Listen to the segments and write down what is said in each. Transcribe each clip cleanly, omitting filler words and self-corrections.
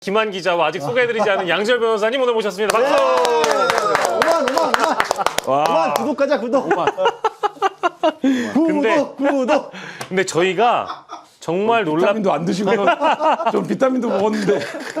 김한 기자와 아직 소개해드리지 않은 양지열 변호사님 오늘 모셨습니다. 박수! 5만 구독하자 구독. 구독. 근데 저희가 정말 비타민도 안 드시고 좀 비타민도 먹었는데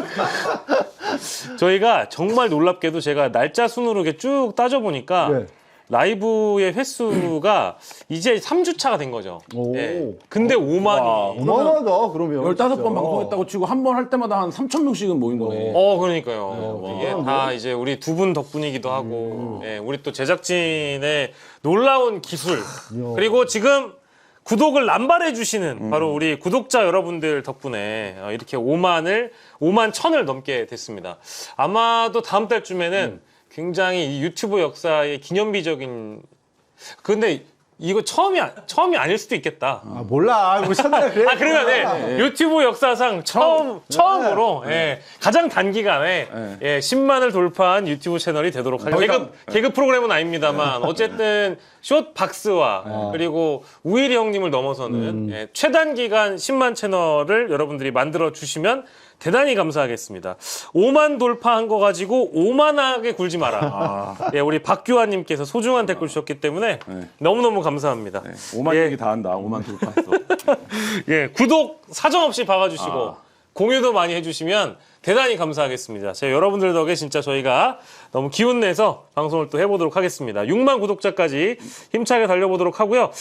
저희가 정말 놀랍게도 제가 날짜 순으로 이렇게 쭉 따져보니까 네. 라이브의 횟수가 이제 3주차가 된 거죠. 오. 예. 근데 5만이. 어마어마하다 그러면. 15번 방송했다고 치고 한 번 할 때마다 한 3,000명씩은 모인 거네. 그러니까요. 이게 다 이제 우리 두 분 덕분이기도 하고, 예, 우리 또 제작진의 놀라운 기술, 그리고 지금 구독을 남발해 주시는 바로 우리 구독자 여러분들 덕분에 이렇게 5만 1,000을 넘게 됐습니다. 아마도 다음 달쯤에는 굉장히 이 유튜브 역사의 기념비적인, 근데 이거 처음이 아닐 수도 있겠다. 아 몰라. 우리 첫날 그래. 그러면 네. 유튜브 역사상 처음으로 예, 가장 단기간에 예, 10만을 돌파한 유튜브 채널이 되도록 하겠습니다. 개그 프로그램은 아닙니다만 어쨌든 숏박스와 그리고 우일이 형님을 넘어서는 예, 최단기간 10만 채널을 여러분들이 만들어 주시면 대단히 감사하겠습니다. 5만 돌파한 거 가지고 오만하게 굴지 마라. 예, 우리 박규환님께서 소중한 댓글 주셨기 때문에 너무너무 감사합니다. 5만 예. 얘기 다 한다. 5만 돌파했어. 예, 구독 사정없이 박아주시고 공유도 많이 해주시면 대단히 감사하겠습니다. 제가 여러분들 덕에 진짜 저희가 너무 기운내서 방송을 또 해보도록 하겠습니다. 6만 구독자까지 힘차게 달려보도록 하고요.